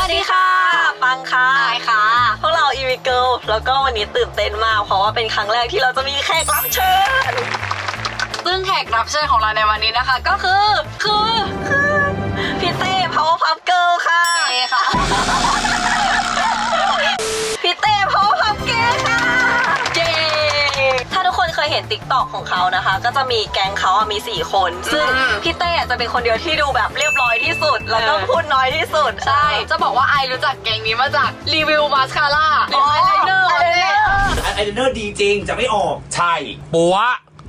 วัสดีค่ะปังค่ะไอค่ะพวกเรา EV Girl แล้วก็วันนี้ตื่นเต้นมากเพราะว่าเป็นครั้งแรกที่เราจะมีแขกรับเชิญซึ่งแขกรับเชิญของเราในวันนี้นะคะก็คือพี่เต้ Powerpuff Girl ค่ะเจค่ะพี่เต้ Powerpuff Girl ค่ะเย้ถ้าทุกคนเคยเห็น TikTok ของเขานะคะก็จะมีแก๊งเขาอะมี4คนซึ่งพี่เต้จะเป็นคนเดียวที่ดูแบบเรียบร้อยที่สุดแล้วก็พูดน้อยที่สุดใช่จะบอกว่าไอรู้จักแก๊งนี้มาจากรีวิวมาสคาร่าหรือไอไลเนอร์ไอไลเนอร์ดีจริงจะไม่ออกใช่ปัว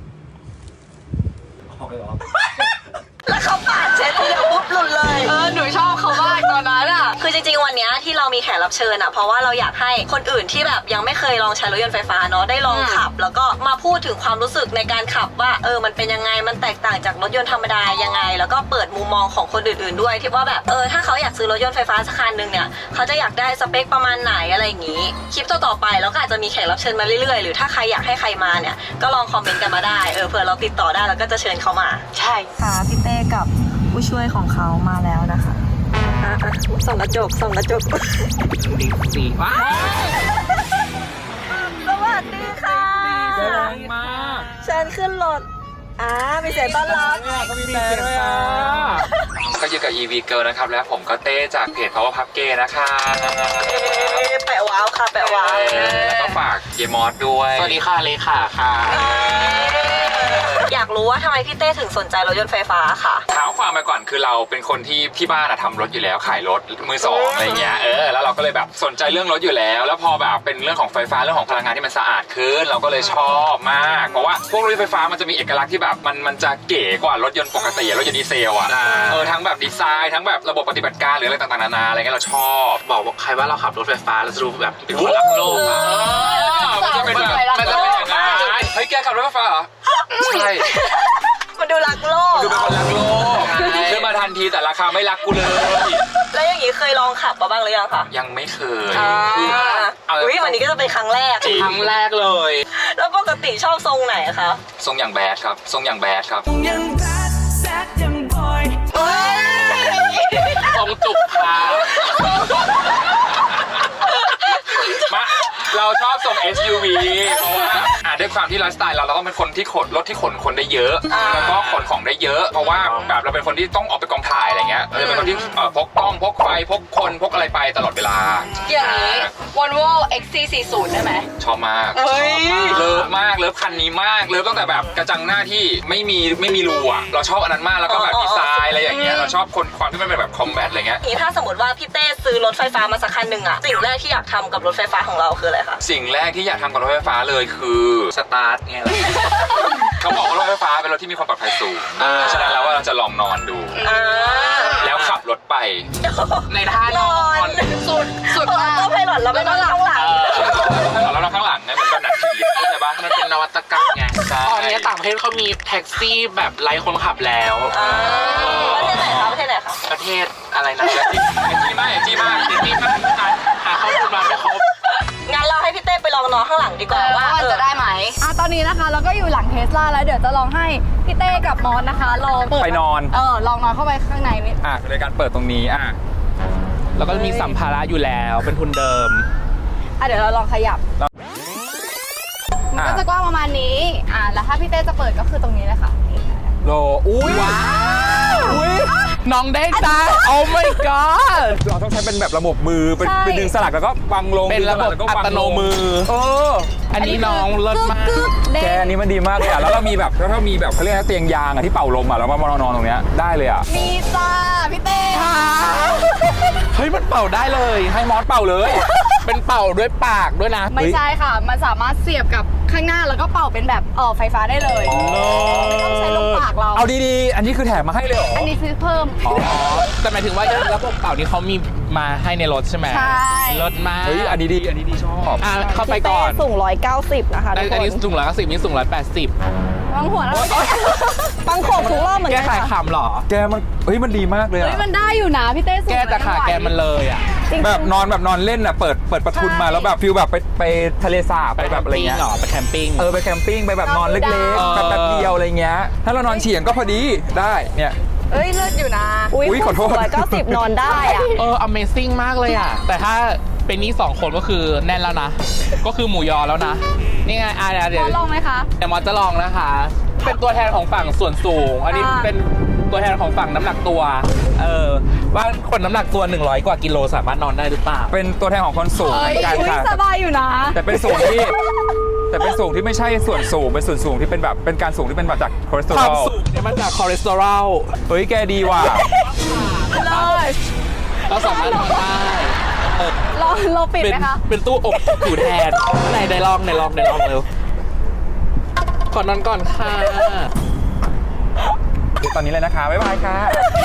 ออกไปหรอแล้วเขาปาดเช็ดทีเดียวปุ๊บหลุดเลยหนูชอบเขามากตอนนั้นอ่ะคือจริงๆวันนี้ที่เรามีแขกรับเชิญอ่ะเพราะว่าเราอยากให้คนอื่นที่แบบยังไม่เคยลองใช้รถยนต์ไฟฟ้าเนาะได้ลองขับแล้วก็มาพูดถึงความรู้สึกในการขับว่ามันเป็นยังไงมันแตกต่างจากรถยนต์ธรรมดายังไงแล้วก็เปิดมุมมองของคนอื่นๆด้วยที่ว่าแบบถ้าเขาอยากซื้อรถยนต์ไฟฟ้าสักคันนึงเนี่ยเขาจะอยากได้สเปคประมาณไหนอะไรอย่างงี้คลิปต่อๆไปแล้วก็อาจจะมีแขกรับเชิญมาเรื่อยๆหรือถ้าใครอยากให้ใครมาเนี่ยก็ลองคอมเมนต์กันมาได้เผื่อเราติดต่อได้แล้วก็จะเชิญเขามาใช่ค่ะพี่เต้กับผู้ช่วยของเขามาแล้วนะคะส่องกระจกสีว้าสวัสดีค่ะแรงมากเชิญขึ้นรถมีเสียงต้อนรับก็มีแต่ด้วยก็อยู่กับ EV Girl นะครับและผมก็เต้จากเพจ Powerpuff Girl นะคะแปะว้าวค่ะแปะว้าวแล้วก็ฝากเยมอสด้วยสวัสดีค่ะเลขาค่ะอยากรู้ว่าทำไมพี่เต้ถึงสนใจรถยนต์ไฟฟ้าค่ะเท้าความไปก่อนคือเราเป็นคนที่บ้านทำรถอยู่แล้วขายรถมือสองอะไรเงี้ยแล้วเราก็เลยแบบสนใจเรื่องรถอยู่แล้วพอแบบเป็นเรื่องของไฟฟ้าเรื่องของพลังงานที่มันสะอาดขึ้นเราก็เลยชอบมากเพราะว่าพวกรถไฟฟ้ามันจะมีเอกลักษณ์ที่แบบมันจะเก๋กว่ารถยนต์ปกติรถยนต์ดีเซลอ่ะทั้งแบบดีไซน์ทั้งแบบระบบปฏิบัติการหรืออะไรต่างๆนานาอะไรเงี้ยเราชอบบอกใครว่าเราขับรถไฟฟ้าเราจะดูแบบเป็นคนรักโลกมันจะเป็นแบบมันจะเป็นอย่างนั้นเฮ้ยแกขับรถไฟฟ้าเหรอใช่มันดูรักโลกดูเป็นคนรักโลกซื้อมาทันทีแต่ราคาไม่รักกูเลยแล้วอย่างนี้เคยลองขับมาบ้างหรือยังคะยังไม่เคยวันนี้ก็จะเป็นครั้งแรกเลยแล้วปกติชอบทรงไหนคะทรงอย่างแบดครับทรงอย่างแบดครับทรงจุกขามาเราชอบส่ง SUV เพราะว่าด้วยความที่ไลฟ์สไตล์เราต้องเป็นคนที่ขนรถที่ขนคนได้เยอะแล้วก็ขนของได้เยอะเพราะว่าแบบเราเป็นคนที่ต้องออกไปกองถ่ายอะไรเงี้ยเราเป็นคนที่พกกล้องพกไฟพกคนพกอะไรไปตลอดเวลาอย่างนี้ Volvo XC40 ได้ไหมชอบมากเลิฟมากเลิฟคันนี้มากเลิฟตั้งแต่แบบกระจังหน้าที่ไม่มีรูอ่ะเราชอบอันนั้นมากแล้วก็แบบดีไซน์อะไรอย่างเงี้ยเราชอบความที่มันเป็นแบบคอมแบทอะไรเงี้ยถ้าสมมติว่าพี่เต้ซื้อรถไฟฟ้ามาสักคันหนึ่งอะสิ่งแรกที่อยากทำกับรถไฟฟ้าของเราคืออะไรคะสิ่งแรกที่อยากทำกับรถไฟฟ้าเลยคือสตาร์ทไงเขาบอกว่ารถไฟฟ้าเป็นรถที่มีความปลอดภัยสูงฉะนั้นแล้วว่าเราจะลองนอนดูแล้วขับรถไปในท่านอนสุดมากก็ไพลอตแล้วไม่ต้องข้างหลังแล้วเราข้างหลังไงเหมือนกับหนังผีเข้าใจปะมันเป็นนวัตกรรมไงตอนนี้ต่างประเทศเขามีแท็กซี่แบบไร้คนขับแล้วประเทศไหนคะประเทศอะไรนะจี้มากหาข้อมูลมาไม่ครบงั้นเราให้พี่เต้ไปลองนอนข้างหลังดีกว่าว่าจะได้ไหมตอนนี้นะคะเราก็อยู่หลังเทสลาแล้วเดี๋ยวจะลองให้พี่เต้กับมอสนะคะลองไปนอนลองนอนเข้าไปข้างในนิดโดยการเปิดตรงนี้แล้วก็มีสัมภาระอยู่แล้วเป็นทุนเดิมเดี๋ยวเราลองขยับมันก็จะกว้างประมาณนี้แล้วถ้าพี่เต้จะเปิดก็คือตรงนี้เลยค่ะโลอุ้ยว้าวน้องได้จ้าโอ้ my god เราต้องใช้เป็นแบบระบบมือเป็นดึงสลักแล้วก็วางลงเป็นระบบอัตโนมืออันนี้น้องเลิศมากแกอันนี้มันดีมากเลยแล้วเรามีแบบเขาเรียกเตียงยางที่เป่าลมแล้วมานอนตรงเนี้ยได้เลยมีจ้าพี่เต้เฮ้ยมันเป่าได้เลยให้มอสเป่าเลยเป็นเป่าด้วยปากด้วยนะไม่ใช่ค่ะมันสามารถเสียบกับข้างหน้าแล้วก็เป่าเป็นแบบไฟฟ้าได้เลยไม่ต้องใช้ลูกปากเราเอาดีๆอันนี้คือแถมมาให้เลยเหรออันนี้ซื้อเพิ่มแต่หมายถึงว่าระบบเป่านี้เขามีมาให้ในรถใช่ไหมใช่รถมาเฮ้ยอันนี้ดีชอบเข้าไปก่อนสูง190นะคะอันนี้สูง190นี่สูง180 บางหัวแล้วบางโขกทุกรอบเหมือนกันแกขายคำหรอแกมันดีมากเลยมันได้อยู่นะพี่เต้สูงแกแต่ขาแกมันเลยแบบนอนเล่นเปิดประทุนมาแล้วแบบฟิลแบบไปทะเลสาบไปแบบอะไรเงี้ยไปแคมปิ้งไปแคมปิ้งไปแบบนอนเล็กๆแบบเดียวอะไรเงี้ยถ้าเรานอนเฉียงก็พอดีได้เนี่ยเอ้ยเลิศอยู่นะอุ๊ยขอโทษ 190นอนได้อะ Amazing มากเลยอ่ะ แต่ถ้าเป็นนี่2คนก็คือแน่นแล้วนะ ก็คือหมูยอแล้วนะ นี่ไงเดี๋ยวลองไหมคะเดี๋ยวมอสจะลองนะคะ เป็นตัวแทนของฝั่งส่วนสูง อันนี้เป็นตัวแทนของฝั่งน้ำหนักตัว ว่าคนน้ำหนักตัว100กว่ากิโลสามารถนอนได้หรือเปล่าเป็นตัวแทนของคนสูงเหมือนกันอุ๊ยค่ะสบายอยู่นะแต่เป็นสูงที่ไม่ใช่ส่วนสูงเป็นส่วนสูงที่เป็นแบบเป็นการสูงที่เป็นแบบจากคอเลสเตอความรอลสูงเนี่ยมาจากคอเลสเตอรอลเฮ้ยแกดีว่ะเลิศเราสามารถนอนได้เราปิดไหมคะเป็นตู้อบอยู่แทนไหนลองเร็วก่อนนอนก่อนค่ะเดี๋ยวตอนนี้เลยนะคะบ๊ายบายค่ะ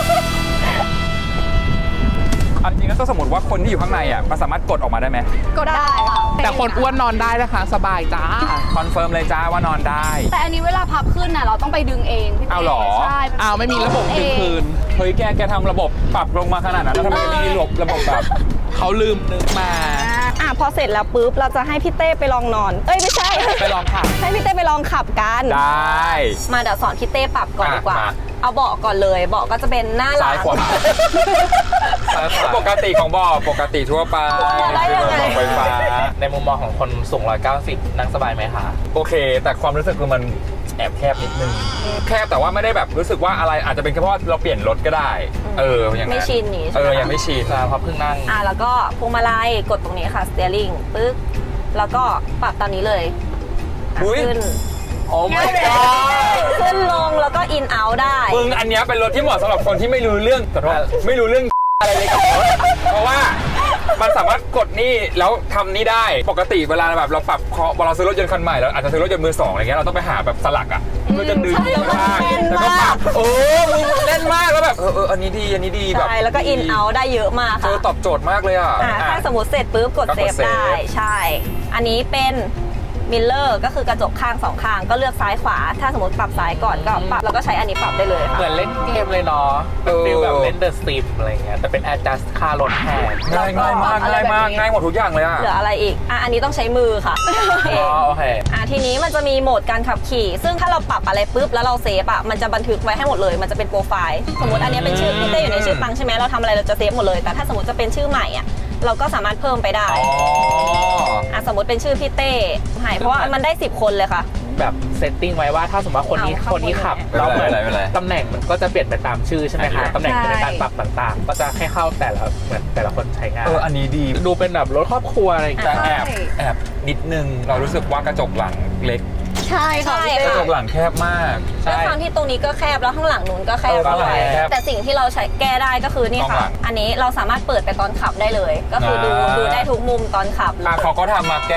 อันจริงแล้วถ้าสมมติว่าคนที่อยู่ข้างในอ่ะมันสามารถกดออกมาได้ไหมก็ได้ค่ะแต่คนอ้วนนอนได้นะคะ สบายจ้าคอนเฟิร์มเลยจ้าว่านอนได้แต่อันนี้เวลาพับขึ้นน่ะเราต้องไปดึงเองพี่ต้เอาเหรอใช่อ้าวไม่มีระบบดึงคืนเฮ้ยแกทำระบบปรับลงมาขนาดนั้นแล้วทำไมไม่มีระบบแบบเขาลืมนึกมาพอเสร็จแล้วปุ๊บเราจะให้พี่เต้ไปลองนอน เอ้ยไม่ใช่ไปลองค่ะให้พี่เต้ไปลองขับกันได้มาเดี๋ยวสอนพี่เต้ปรับก่อนดีกว่ามาเอาเบาะก่อนเลยเบาะก็จะเป็นหน้าหลัซ้ายงขวาซ้ายขวาปกติของบ่อปกติทั่วไปได้ยังไงบ่อไฟฟ้าในมุมมองของคนสูง190นั่งสบายไหมคะโอเค แต่ความรู้สึกคือมันแอบแคบนิดนึงแคบแต่ว่าไม่ได้แบบรู้สึกว่าอะไรอาจจะเป็นแค่เพราะเราเปลี่ยนรถก็ได้อย่างนั้นไม่ชินนี่ใช่ไหมยังไม่ชินใช่เพราะเพิ่งนั่งแล้วก็พวงมาลัยกดตรงนี้ค่ะ steering ปึ๊บแล้วก็ปรับตอนนี้เลยขึ้นโอ้ my god ขึ้นลงแล้วก็ in out ได้มึงอันเนี้ยเป็นรถที่เหมาะสำหรับคนที่ไม่รู้เรื่องขอโทษไม่รู้เรื่องอะไรเลยกับรถเพราะว่ามันสามารถกดนี่แล้วทำนี่ได้ปกติเวลาแบบเราปรับเวลาซื้อรถยนต์คันใหม่แล้วอาจจะซื้อรถยนต์มือสองอะไรเงี้ยเราต้องไปหาแบบสลักอ่ะเพื่อจะดึงใช่แล้วมันข้างแน่นแล้วก็ปมารักบมึงเล่นมากแล้วแบบอันนี้ดีแบบใช่แล้วก็ in out ได้เยอะมากเธค่ะอตอบโจทย์มากเลยอ่ะถ้าสมมติเสร็จปุ๊บกดก็เซกดฟเซฟได้ใช่ อันนี้เป็นมิลเลอร์ก็คือกระจกข้างสองข้างก็เลือกซ้ายขวา ถ้าสมมติปรับซ้ายก่อนก็ปรับแล้วก็ใช้อันนี้ปรับได้เลยค่ะเหมือนเล่นเกมเลยเนาะเป็นฟีลแบบเล่น The Sims อะไรเงี้ยแต่เป็น adjust ค่ารถแทนง่ายมากง่ายหมดทุกอย่างเลยอ่ะเหลืออะไรอีกอันนี้ต้องใช้มือค่ะเองโอเคทีนี้มันจะมีโหมดการขับขี่ ซึ่งถ้าเราปรับอะไรปุ๊บแล้วเราเซฟมันจะบันทึกไว้ให้หมดเลย มันจะเป็นโปรไฟล์สมมติอันนี้เป็นชื่อพี่เต้อยู่ในชื่อปังใช่ไหมเราทำอะไรเราจะเซฟหมดเลยแต่ถ้าสมมติจะเป็นชื่อใหม่เราก็สามารถเพิ่มไปได้สมมติเป็นชื่อพี่เต้ให้เพราะว่ามันได้10คนเลยค่ะแบบเซตติ้งไว้ว่าถ้าสมมติว่าคนนี้ขับแล้วเหมือนตำแหน่งมันก็จะเปลี่ยนไปตามชื่อใช่ไหมคะตำแหน่งในการปรับต่างๆ ก็จะให้เข้าแต่ละคนใช้งานอันนี้ดีดูเป็นแบบรถครอบครัวอะไรอย่างแต่เงี้ยแอบนิดนึงเรารู้สึกว่ากระจกหลังเล็กใช่ค่ะพี่กเต้ระจกหลังแคบมากด้วยความที่ตรงนี้ก็แคบแล้วข้างหลังนู้นก็แคบข้างหลังด้วยแคบแต่สิ่งที่เราใช้แก้ได้ก็คือนี่ข้างหลัค่ะงอันนี้เราสามารถเปิดไปตอนขับได้เลย ก็คือดูได้ทุกมุมตอนขับเลยเขาก็ทำมาแก้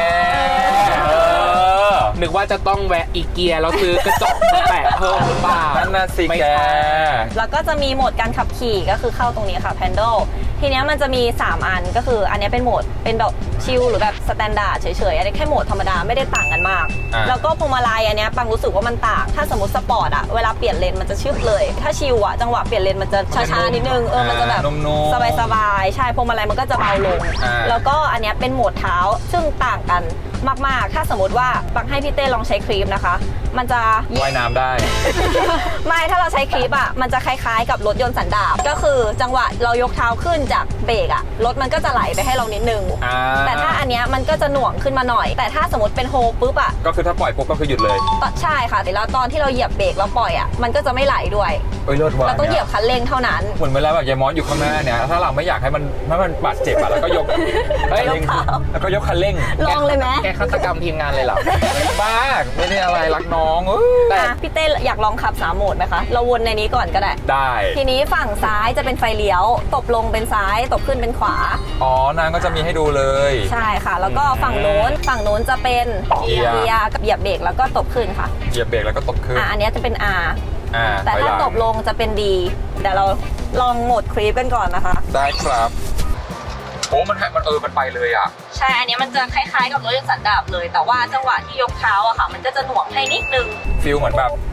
นึกว่าจะต้องแวะอีเกียแล้วซื้อกระจกมาแปะเพิ่มหรือเปล่านั่นน่ะสิไม่แกใช่แล้วก็จะมีโหมดการขับขี่ก็คือเข้าตรงนี้ค่ะ Handle ทีเนี้ยมันจะมี3อันก็คืออันนี้เป็นโหมดเป็นแบบชิลหรือแบบสแตนดาร์ดเฉยๆอันนี้แค่โหมดธรรมดาไม่ได้ต่างกันมาก แล้วก็พวงมาลัยอันเนี้ยปังรู้สึกว่ามันต่างถ้าสมมติสปอร์ตเวลาเปลี่ยนเลนมันจะชึบเลย ถ้าชิลจังหวะเปลี่ยนเลนมันจะช้าๆนิดนึงมันจะแบบนุ่มๆสบายๆใช่พวงมาลัยมันก็จะเบาลง แล้วก็อันเนี้ยเป็นโหมดเท้าซึ่งต่างกันมากๆถ้าสมมติว่าปังให้พี่เต้ลองใช้ครีมนะคะ มันจะว่ายน้ำได้ไม่ถ้าเราใช้คลิปมันจะคล้ายๆกับรถยนต์สันดาปก็คือจังหวะเรายกเท้าขึ้นจากเบรกรถมันก็จะไหลไปให้เรานิดนึง แต่ถ้าอันเนี้ยมันก็จะหน่วงขึ้นมาหน่อย แต่ถ้าสมมติเป็นโฮปุ๊บก็คือถ้าปล่อยปุ๊บก็คือหยุดเลยใช่ค่ะแต่แล้วตอนที่เราเหยียบเบรกแล้วปล่อยมันก็จะไม่ไหลด้วยเลิศว่ะเราต้องเหยียบคันเร่งเท่านั้นเหมือนเวลาแบบยายมอสอยู่ข้างหน้าเนี่ยถ้าเราไม่อยากให้มันบาดเจ็บแล้วก็ยกแล้วก็ยกคันเร่งลองเลยไหมแกฆาตกรรมทีมงานเลยเหรอบ้าไม่ได้อะไรรักน้องพี่เต้อยากลองขับ3โหมดไหมคะเราวนในนี้ก่อนก็ได้ได้ทีนี้ฝั่งซ้ายจะเป็นไฟเลี้ยวตบลงเป็นซ้ายตบขึ้นเป็นขวานางก็จะมีให้ดูเลยใช่ค่ะ แล้วก็ฝั่งโน้นจะเป็นเกียร์กับเหยียบเบรกแล้วก็ตบขึ้นค่ะเหยียบเบรกแล้วก็ตบขึ้นอันนี้จะเป็น R แต่ถ้าถอยหงตบลงจะเป็น D เดี๋ยวเราลองโหมดครีปกันก่อนนะคะได้ครับโอ้มันไปเลยอ่ะใช่ อันนี้มันจะคล้ายๆกับรถยนต์สันดาปเลย แต่ว่าจังหวะที่ยกเท้ามันก็จะหน่วงให้นิดนึงฟิลเหมือน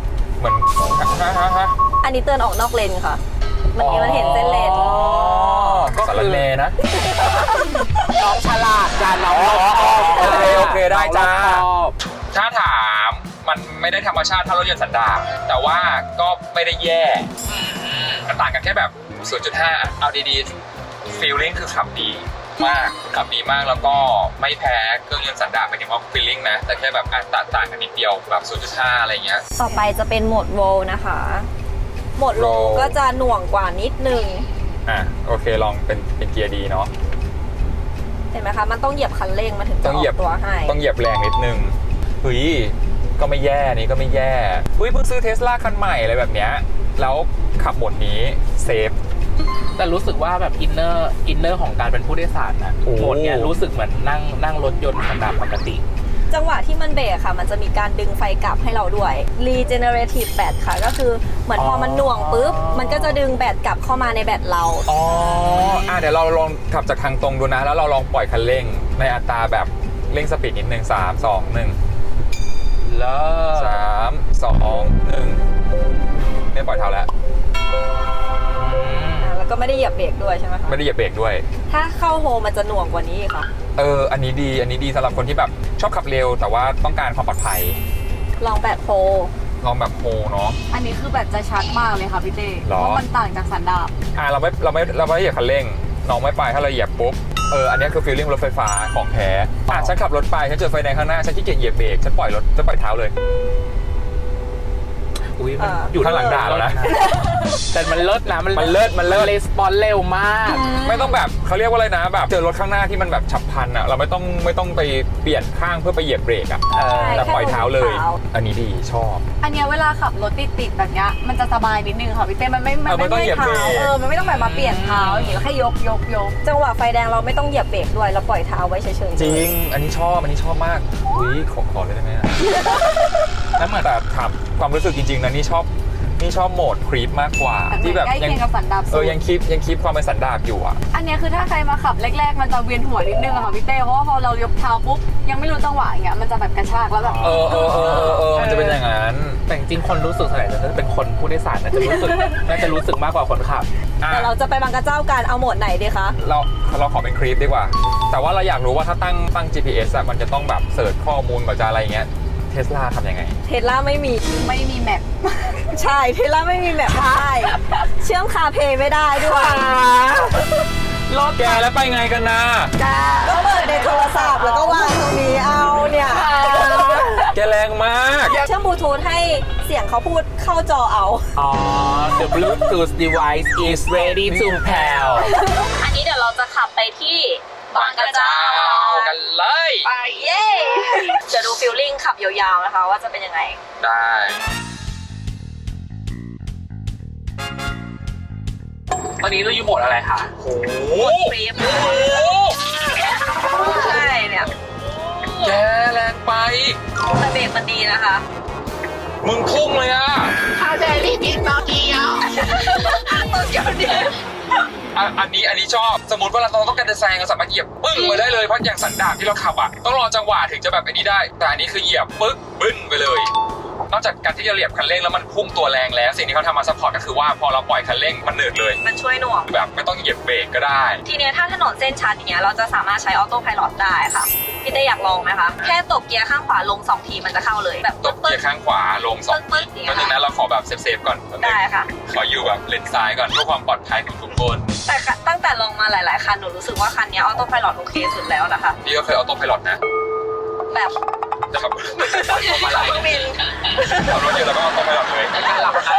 อันนี้เตือนออกนอกเลนค่ะมันเห็นเส้นเลนก็สารเลนะน้องฉลาดจานน้องโอเคได้จ้า ถ้าถามมันไม่ได้ธรรมชาติเท่ารถยนต์สันดาปแต่ว่าก็ไม่ได้แย่ต่างกันแค่แบบ 0.5 เอาดีๆ feeling คือขับดีมากแล้วก็ไม่แพ้เครื่องยนต์สันดาปหมายถึงว่า feeling นะแต่แค่แบบต่างกันนิดเดียวแบบ 0.5 อะไรเงี้ยต่อไปจะเป็นโหมดโวลนะคะโหมดโวลก็จะหน่วงกว่านิดนึงโอเคลองเป็นเกียร์ดีเนาะเห็นไหมคะมันต้องเหยียบคันเร่งมันถึงจะออกตัวให้ต้องเหยียบแรงนิดนึงเฮ้ยก็ไม่แย่นี่ก็ไม่แย่เฮ้ยเพิ่งซื้อเทสลาคันใหม่อะไรแบบเนี้ยแล้วขับโหมดนี้เซฟแต่รู้สึกว่าแบบอินเนอร์ของการเป็นผู้โดยสารนะโอ้โหมดเนี้ยรู้สึกเหมือนนั่งรถยนต์ธรรมดาปกติจังหวะที่มันเบรกค่ะมันจะมีการดึงไฟกลับให้เราด้วย regenerative แบตค่ะก็คือเหมือนพอมันหน่วงปุ๊บมันก็จะดึงแบตกลับเข้ามาในแบตเราเดี๋ยวเราลองขับจากทางตรงดูนะแล้วเราลองปล่อยคันเร่งในอัตราแบบเร่งสปีดนิดนึง3 2 1 แล้ว 3 2 1ไม่ปล่อยเท้าแล้วแล้วก็ไม่ได้เหยียบเบรกด้วยใช่ไหมคะไม่ได้เหยียบเบรกด้วยถ้าเข้าโฮมันจะหน่วงกว่านี้ค่ะอันนี้ดีสำหรับคนที่แบบชอบขับเร็วแต่ว่าต้องการความปลอดภัยลองแบตโฮลองแบบโฮเนาะอันนี้คือแบบจะชัดมากเลยค่ะพี่เต้หรอเพราะมันต่างจากสันดาปเราไม่เหยียบคันเร่งน้องไม่ไปถ้าเราเหยียบปุ๊บอันนี้คือฟีลลิ่งรถไฟฟ้าของแท้ฉันขับรถไปฉันเจอไฟแดงข้างหน้าฉันขี้เกียจเหยียบเบรกฉันปล่อยเท้าเลยอุ้ยมันอยู่ข้างหลังด่าแล้วนะแต่มันเลิศนะมันเลิศเลสปอนเร็วมากไม่ต้องแบบเขาเรียกว่าอะไรนะแบบเจอรถข้างหน้าที่มันแบบฉับพลันอ่ะเราไม่ต้องไปเปลี่ยนข้างเพื่อไปเหยียบเบรกอ่ะแต่ปล่อยเท้าเลย อันนี้ดีชอบอันเนี้ยเวลาขับรถติดๆแบบเนี้ยมันจะสบายนิดนึงค่ะพี่เต้มันไม่มันต้องเหยียบเบรกมันไม่ต้องแบบมาเปลี่ยนเท้าอย่างงี้แล้วแค่ยกจังหวะไฟแดงเราไม่ต้องเหยียบเบรกด้วยเราปล่อยเท้าไว้เฉยๆจริงอันนี้ชอบมากขอเลยได้ไหมแล้วเหมือนแต่ถามความรู้สึกจริงๆนะนี่ชอบโหมดครีปมากกว่าแต่ที่แบบใกล้เคียงกับสันดาปสุดยังคลิปความเป็นสันดาปอยู่อ่ะอันเนี้ยคือถ้าใครมาขับแรกๆมันจะเวียนหัวนิดนึงอะค่ะพี่เต้เพราะว่าพอเรายกเท้าปุ๊บยังไม่รู้จังหวะอย่างเงี้ยมันจะแบบกระชากแล้วแบบมันจะเป็นอย่างนั้นแต่จริงๆคนรู้สึกส่วนใหญ่จะเป็นคนผู้โดยสารน่าจะรู้สึกมากกว่าคนขับแต่เราจะไปบางกระเจ้ากันเอาโหมดไหนดีคะเราขอเป็นคลิปดีกว่า แต่ว่าเราอยากรู้ว่าถ้าตั้ง GPS อะมันจะต้องแบบเสิร์ชข้อมูลกับจะอะไรเงี้ยเทสลาทำยังไงเทสลาไม่มีแมปใช่เทสลาไม่มีแบบได้เชื่อมคาเพย์ไม่ได้ด้วยรอแกแล้วไปไงกันนะก็เปิดในโทรศัพท์แล้วก็วางตรงนี้เอาเนี่ยแกแรงมากเชื่อมบลูทูธให้เสียงเขาพูดเข้าจอเอา The Bluetooth device is ready to pair อันนี้เดี๋ยวเราจะขับไปที่บางกระเจ้ากันเลยไปเย้จะดูฟิลลิ่งขับยาวๆนะคะว่าจะเป็นยังไงได้ตอนนี้เราอยู่โหมดอะไรคะโอ้โหฟรีมใช่เนี่ยแกแรงไปแต่เบรกมันดีนะคะมึงพุ่งเลยอะถ้าเจรีบกินโตเกียวอันนี้ชอบ สมมติว่าเราต้องการจะแซงเราสามารถเหยียบปึ้งไปได้เลยเพราะอย่างสันดาปที่เราขับอะต้องรอจังหวะถึงจะแบบอันนี้ได้ แต่อันนี้คือเหยียบปึ๊กบึ้นไปเลย นอกจากการที่จะเหยียบคันเร่งแล้วมันพุ่งตัวแรงแล้วสิ่งที่เขาทำมาซัพพอร์ตก็คือว่าพอเราปล่อยคันเร่งมันเนิร์ดเลยมันช่วยหน่วงแบบไม่ต้องเหยียบเบรกก็ได้ทีเนี้ยถ้าถนนเส้นชันอย่างเงี้ยเราจะสามารถใช้ออโต้ไพลอตได้ค่ะพี่เต้อยากลองไหมคะแค่ตบเกียร์ข้างขวาลง2ทีมันจะเข้าเลยแบบตบเกียร์ข้างขวาลง2 ปึ๊กๆอย่างก็เงี้ยนึงนะเราขอแบบเซฟๆก่อนได้ค่ะขออยู่แบบเลนซ้ายก่อนเพื่อความปลอดภัยของทุกคนแต่ตั้งแต่ลองมาหลายๆคันหนูรู้สึกว่าคันเนี้ออโต้ไพลอตโอเคสุดแล้วนะคะพี่ก็เคยออโต้ไพลอตนะแบบจะขับมาหลายบินขับรถอยู่แล้วก็ออโต้ไพลอตเลยการหลับใน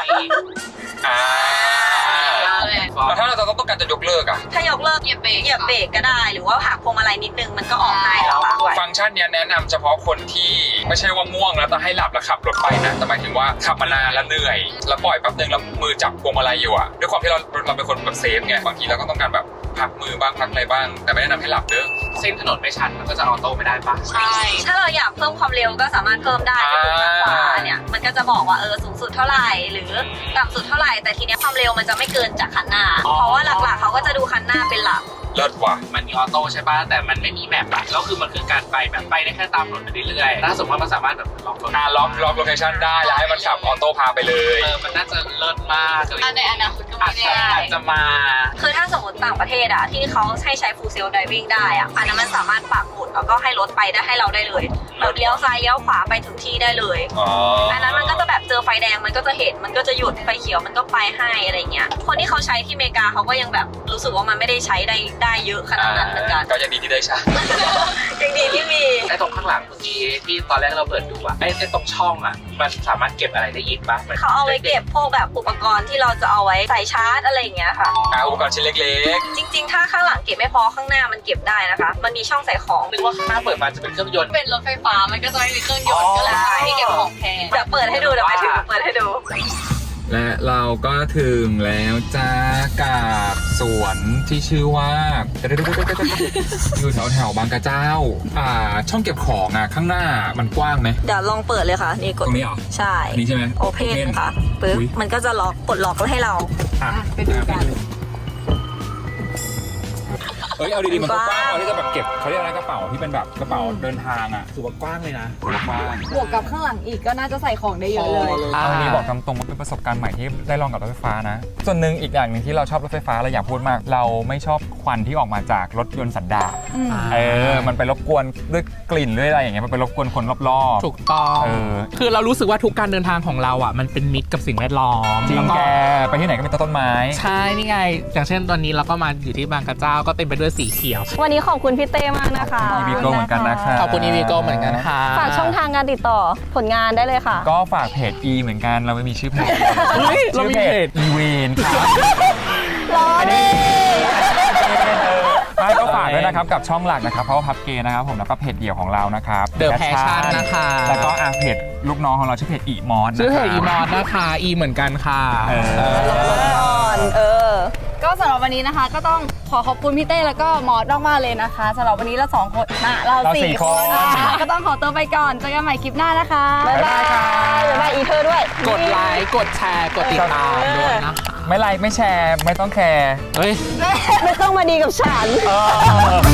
แล้วถ้าเราจะต้องการจะยกเลิกอะถ้ายกเลิกเหยียบเบรกก็ได้ หรือว่าหักพวงมาลัยนิดนึงมันก็ออกให้แล้วด้วยฟังก์ชันเนี้ยแนะนำเฉพาะคนที่ไม่ใช่ว่าง่วงแล้วจะให้หลับแล้วขับรถไปนะแต่หมายถึงว่าขับมานานแล้วเหนื่อยแล้วปล่อยแป๊บนึงแล้วมือจับพวงมาลัยอยู่อะด้วยความที่เราเป็นคนแบบเซฟไงบางทีเราก็ต้องการแบบพักมือบ้างพักอะไรบ้างแต่ไม่แนะนำให้หลับเด้อเส้นถนนไม่ชันมันก็จะออโต้ไม่ได้ปะใช่ ถ้าเราอยากเพิ่มความเร็วก็สามารถเพิ่มได้ที่ปุ่มด้านขวาเนี่ยมันก็จะบอกว่าสูงสุดเท่าไหร่หรือต่ำสุดเท่าไหร่แต่ทีเนี้ยความเร็วมันจะไม่เกินจากคันหน้า เพราะว่าหลักๆเขาก็จะดูคันหน้าเป็นหลักเลิศว่ะมันมีออโต้ใช่ป่ะแต่มันไม่มีแมปอะแล้วคือมันคือการไปแบบไปได้แค่ตามถนนไปเรื่อยๆถ้าสมมติว่ามันสามารถแบบล็อกรถล็อกโลเคชั่นได้แล้วให้มันขับออโต้พาไปเลยมันน่าจะเลิศมากในอนาคตก็อาไม่จแน่จะมาคือถ้าสมมติต่างประเทศอะที่เขาให้ใช้ full self driving ได้อะอันนั้นมันสามารถปักหมุดแล้วก็ให้รถไปได้ให้เราได้เลยแบบเลี้ยวซ้ายเลี้ยวขวาไปถึงที่ได้เลยอ๋ออันนั้นมันก็จะแบบเจอไฟแดงมันก็จะเห็นมันก็จะหยุดไฟเขียวมันก็ไปให้อะไรเงี้ยคนที่เขาใช้ที่อเมริกาเขาก็ยังแบบรู้สึกว่ามันไม่ได้ใช้ได้เยอะขนาดนั้นเหมือนกันก็ยังดีที่ได้ใช้ยังดีที่มีไอ้ตรงข้างหลังเมื่อกี้ที่ตอนแรกเราเปิดดูอะไอ้ตรงช่องอะมันสามารถเก็บอะไรได้อีกปะเขาเอาไว้เก็บพวกแบบอุปกรณ์ที่เราจะเอาไว้ใส่ชาร์จอะไรอย่างเงี้ยค่ะอุปกรณ์ชิ้นเล็กจริงๆ ถ้าข้างหลังเก็บไม่พอข้างหน้ามันเก็บได้นะคะ มันมีช่องใส่ของนึกว่าข้างหน้าเปิดมาจะเป็นเครื่องยนต์เป็นรถไฟฟ้ามันก็จะไม่มีเครื่องยนต์ก็เลยให้เก็บของแพงเดี๋ยวเปิดให้ดูเดี๋ยวไปถึงเปิดให้ดูและเราก็ถึงแล้วจ้ากับสวนที่ชื่อว่า อยู่แถวบางกระเจ้า ช่องเก็บของข้างหน้ามันกว้างไหมเดี๋ยวลองเปิดเลยค่ะ นี่กดตรงนี้เหรอใช่อันนี้ใช่ไหมโอเพนค่ะปึ๊บอุ๊ยมันก็จะล็อกกดล็อกให้เราไปดูกันเอ้ยเอาดีๆมันก็กว้างที่จะแบบเก็บเขาเรียกอะไรกระเป๋าที่เป็นแบบกระเป๋าเดินทางถือว่ากว้างเลยนะถือว่ากว้างบวกกับข้างหลังอีกก็น่าจะใส่ของได้เยอะเลยเอาวันนี้บอกตามตรงว่าเป็นประสบการณ์ใหม่ที่ได้ลองกับรถไฟฟ้านะ ส่วนหนึ่งอีกอย่างหนึ่งที่เราชอบรถไฟฟ้าเราอยากพูดมาก เราไม่ชอบควันที่ออกมาจากรถยนต์สันดาปมันไปรบกวนด้วยกลิ่นด้วยอะไรอย่างเงี้ยมันไปรบกวนคนรอบๆถูกต้อง คือเรารู้สึกว่าทุกการเดินทางของเราอ่ะมันเป็นมิตรกับสิ่งแวดล้อมจริงแล้วก็แกไปที่ไหนก็มีต้นไม้ใช่นี่ไง อย่างเช่นตอนนี้เราก็มาอยู่ที่บางกระเจ้าก็เต็มไปด้วยสีเขียววันนี้ขอบคุณพี่เต้มากนะคะอีวีโก้เหมือนกันนะคะขอบคุณอีวีโก้เหมือนกันค่ะฝากช่องทางการติดต่อผลงานได้เลยค่ะก็ฝากเพจ E เหมือนกันเราไม่มีชื่อเพจเฮ้ยเราชื่อมีเพเพจจ E เวนครับรอดิไม่ก็ฝากด้วยนะครับกับช่องหลักนะครับเพราะว่าพับเกย์นะครับผมแล้วก็เพจเดี่ยวของเรานะครับ The Passion นะคะแล้วก็เพจลูกน้องของเราชื่อเพจอีมอนชื่อเพจอีมอสนะคะอีเหมือนกันค่ะก็สำหรับวันนี้นะคะก็ต้องขอขอบคุณพี่เต้แล้วก็มอสมากๆเลยนะคะสำหรับวันนี้เราสองคนเราสี่คนก็ต้องขอตัวไปก่อนเจอกันใหม่คลิปหน้านะคะบ๊ายบายค่ะบ๊ายบายอีเธอด้วยกดไลค์กดแชร์กดติดตามด้วยนะคะไม่ไลค์ไม่แชร์ไม่ต้องแคร์เฮ้ยไม่ต้องมาดีกับฉันเออ